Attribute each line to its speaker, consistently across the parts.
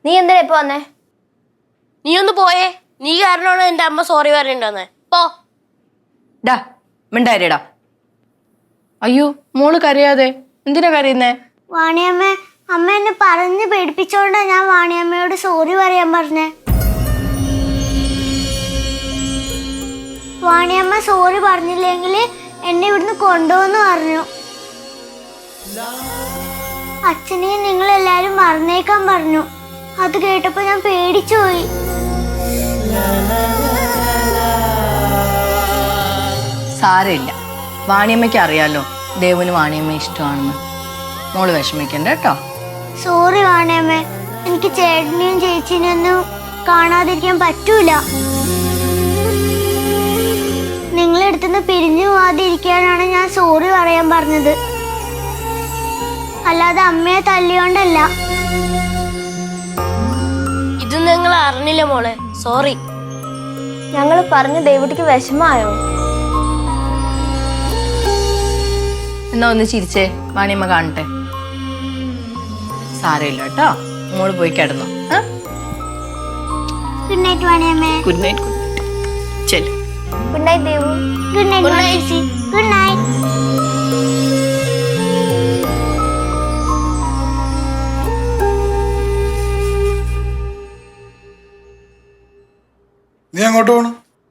Speaker 1: നീ എന്തിനാ ഇപ്പൊ വന്നേ?
Speaker 2: നീ ഒന്ന് പോയേ. നീ കാരണമാണ് എന്റെ അമ്മ സോറി പറയണ്ടെന്ന്. പോ.
Speaker 3: ഡാ മിണ്ടായിരടാ. അയ്യോ മോള് കരയാതെ. എന്തിനാ കരയുന്നേ?
Speaker 4: വാണിയമ്മ, അമ്മ എന്നെ പറഞ്ഞ് പേടിപ്പിച്ചോണ്ടാ ഞാൻ വാണിയമ്മയോട് സോറി പറയാൻ പറഞ്ഞേ. വാണിയമ്മ സോറി പറഞ്ഞില്ലെങ്കിൽ എന്നെ ഇവിടുന്ന് കൊണ്ടുപോന്ന് പറഞ്ഞു. അച്ഛനെയും നിങ്ങൾ എല്ലാരും മറന്നേക്കാൻ പറഞ്ഞു. അത് കേട്ടപ്പോ ഞാൻ പേടിച്ചു പോയി.
Speaker 3: സാരമില്ല, വാണിയമ്മയ്ക്ക് അറിയാലോ ദേവന് വാണിയമ്മ ഇഷ്ടമാണെന്ന്. മോള് വിഷമിക്കണ്ട കേട്ടോ.
Speaker 4: സോറി വാണിയമ്മ, എനിക്ക് ചേട്ടനെയും ചേച്ചിനെയൊന്നും കാണാതിരിക്കാൻ പറ്റൂല. നിങ്ങളെടുത്തുനിന്ന് പിരിഞ്ഞു പോവാതിരിക്കാനാണ് ഞാൻ സോറി പറയാൻ പറഞ്ഞത്, അല്ലാതെ അമ്മയെ തല്ലിയോണ്ടല്ല.
Speaker 2: ഇത് നിങ്ങൾ അറിഞ്ഞില്ല മോളെ. സോറി.
Speaker 1: ഞങ്ങൾ പറഞ്ഞ ദേവുട്ടിക്ക് വിഷമായോ?
Speaker 3: എന്നാ ഒന്ന് ചിരിച്ചേ, വാണിയമ്മ കാണട്ടെ. സാരമില്ല കേട്ടോ, മോള് പോയി കിടന്നോ.
Speaker 4: Good night Vaniyamma.
Speaker 3: Good night. Chellu.
Speaker 1: Good night Devu.
Speaker 4: Good night ചേച്ചി. Good night.
Speaker 5: നീ അങ്ങോട്ട് പോണു?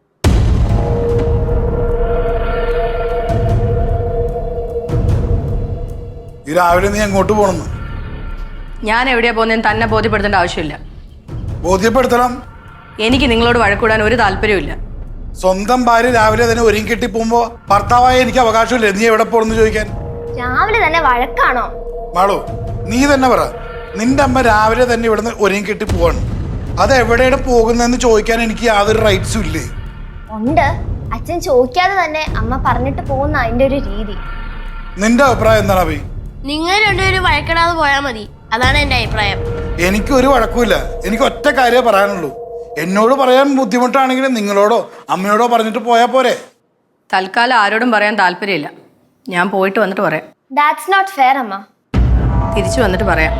Speaker 5: ഈ രാവിലെ നീ എങ്ങോട്ട് പോണെന്ന്?
Speaker 3: ഞാൻ എവിടെയാ പോകുന്നതെന്ന് തന്നെ ബോധ്യപ്പെടുത്തേണ്ട ആവശ്യമില്ല.
Speaker 5: ബോധ്യപ്പെടുത്തണം.
Speaker 3: എനിക്ക് നിങ്ങളോട് വഴക്കൂടാൻ ഒരു താല്പര്യമില്ല.
Speaker 5: സ്വന്തം ഭാര്യ രാവിലെ തന്നെ ഒരുങ്ങി കെട്ടി പോകുമ്പോ ഭർത്താവായ എനിക്ക് അവകാശമില്ല നീ എവിടെ പോണെന്ന് ചോദിക്കാൻ.
Speaker 1: രാവിലെ തന്നെ വഴക്കാണോ?
Speaker 5: മാളു, നീ തന്നെ പറ. നിന്റെ അമ്മ രാവിലെ തന്നെ ഇവിടുന്ന് ഒരുങ്ങി കെട്ടി പോവാണ്. അത് എവിടെയാണ് പോകുന്നതെന്ന് ചോദിക്കാൻ എനിക്ക് യാതൊരു റൈറ്റ്സും ഇല്ലേ?
Speaker 1: ഉണ്ട്. അച്ഛൻ ചോദിക്കാതെ തന്നെ അമ്മ പറഞ്ഞിട്ട് പോകുന്ന അതിന്റെ ഒരു രീതി.
Speaker 5: നിന്റെ അഭിപ്രായം എന്താണ് അഭി?
Speaker 2: നിങ്ങൾ രണ്ടുപേരും വഴക്കിടാതെ പോയാൽ മതി. അതാണ് എന്റെ അഭിപ്രായം.
Speaker 5: എനിക്കൊരു വഴക്കുമില്ല. എനിക്ക് ഒറ്റ കാര്യമേ പറയാനുള്ളൂ. എന്നോട് പറയാൻ ബുദ്ധിമുട്ടാണെങ്കിൽ നിങ്ങളോടോ അമ്മയോടോ പറഞ്ഞിട്ട് പോയാൽ പോരെ.
Speaker 3: തൽക്കാലം ആരോടും പറയാൻ താല്പര്യമില്ല. ഞാൻ പോയിട്ട് വന്നിട്ട് പറയാം.
Speaker 1: ദാറ്റ്സ് നോട്ട് ഫെയർ അമ്മ.
Speaker 3: തിരിച്ചു വന്നിട്ട് പറയാം.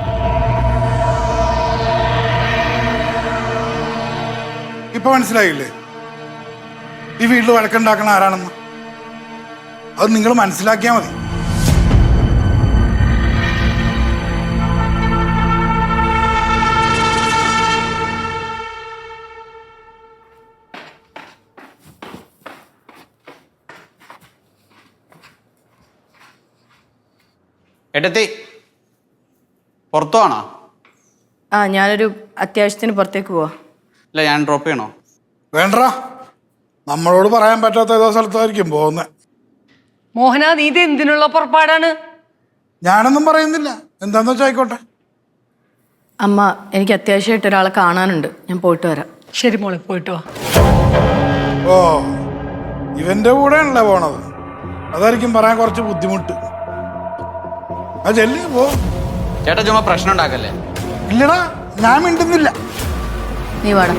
Speaker 5: ഇപ്പൊ മനസ്സിലായില്ലേ ഈ വീട്ടിൽ വഴക്കുണ്ടാക്കണ ആരാണെന്ന്? അത് നിങ്ങൾ മനസ്സിലാക്കിയാൽ മതി.
Speaker 6: ഏട്ടത്തി പുറത്തു ആണോ?
Speaker 3: ഞാനൊരു അത്യാവശ്യത്തിന് പുറത്തേക്ക് പോവാ.
Speaker 6: അല്ല, ഞാൻ ഡ്രോപ്പ് ചെയ്യണോ?
Speaker 5: വേണ്ട, നമ്മളോട് പറയാൻ പറ്റാത്ത ഏതോ സ്ഥലത്തായിരിക്കും പോകുന്നത്.
Speaker 7: മോഹന, നീ ഇത് എന്തിനുള്ള പുറപ്പാടാണ്?
Speaker 5: ഞാനൊന്നും പറയുന്നില്ല, എന്താന്ന് വെച്ചാൽ ആയിക്കോട്ടെ.
Speaker 3: അമ്മ, എനിക്ക് അത്യാവശ്യമായിട്ട് ഒരാളെ കാണാനുണ്ട്. ഞാൻ പോയിട്ട് വരാം.
Speaker 7: ശരി മോളെ, പോയിട്ട് വാ.
Speaker 5: ഓ, ഇവന്റെ കൂടെയാണല്ലേ പോണത്? അതായിരിക്കും പറയാൻ കുറച്ച് ബുദ്ധിമുട്ട്. ആ ചെല്ലി പോ.
Speaker 6: ചേട്ടാ ചുമ്മാ പ്രശ്നം ഉണ്ടാക്കല്ലേ.
Speaker 5: ഇല്ലടാ, ഞാൻ മിണ്ടുന്നില്ല.
Speaker 3: നീ വാടാ.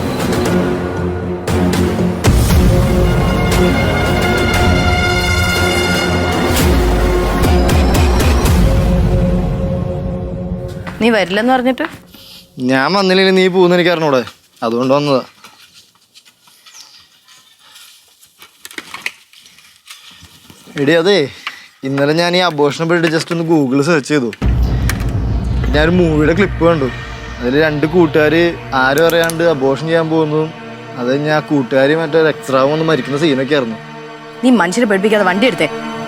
Speaker 3: നീ വരില്ലെന്ന് പറഞ്ഞിട്ട്?
Speaker 8: ഞാൻ വന്നില്ലെങ്കിൽ നീ പോകുന്ന എനിക്ക് അറിഞ്ഞൂടെ, അതുകൊണ്ട് വന്നതാ. എടി അതെ, ഇന്നലെ ഞാൻ ഈ അബോഷനെ പറ്റി ജസ്റ്റ് ഒന്ന് ഗൂഗിളിൽ സെർച്ച് ചെയ്തു. ഞാനൊരു മൂവിയുടെ ക്ലിപ്പ് കണ്ടു. അതിൽ 2 കൂട്ടുകാർ ആരും അറിയാണ്ട് അബോഷൻ ചെയ്യാൻ പോകുന്നതും അത് ഞാൻ കൂട്ടുകാർ മറ്റേ എക്സ്ട്രാവും ഒന്ന് മരിക്കുന്ന സീനൊക്കെ ആയിരുന്നു.
Speaker 3: നീ മനുഷ്യരെ പഠിപ്പിക്കാതെ വണ്ടി എടുത്തേ.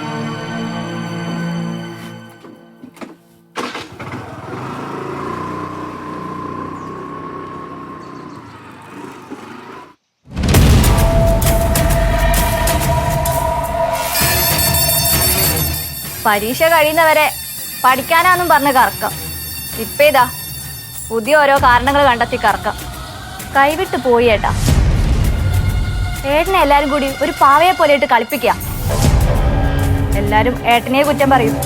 Speaker 1: പരീക്ഷ കഴിയുന്നവരെ പഠിക്കാനാന്നും പറഞ്ഞ് കറക്കം. ഇപ്പൊ ഇതാ പുതിയ ഓരോ കാരണങ്ങൾ കണ്ടെത്തി കറക്കം. കൈവിട്ട് പോയി ഏട്ടാ. ഏട്ടനെ എല്ലാരും കൂടി ഒരു പാവയെ പോലെ ഇട്ട് കളിപ്പിക്കുക. എല്ലാരും ഏട്ടനെ കുറ്റം പറയും.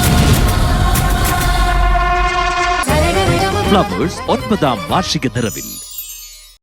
Speaker 9: ഫ്ലവേഴ്സ് 9ാം വാർഷിക നിറവിൽ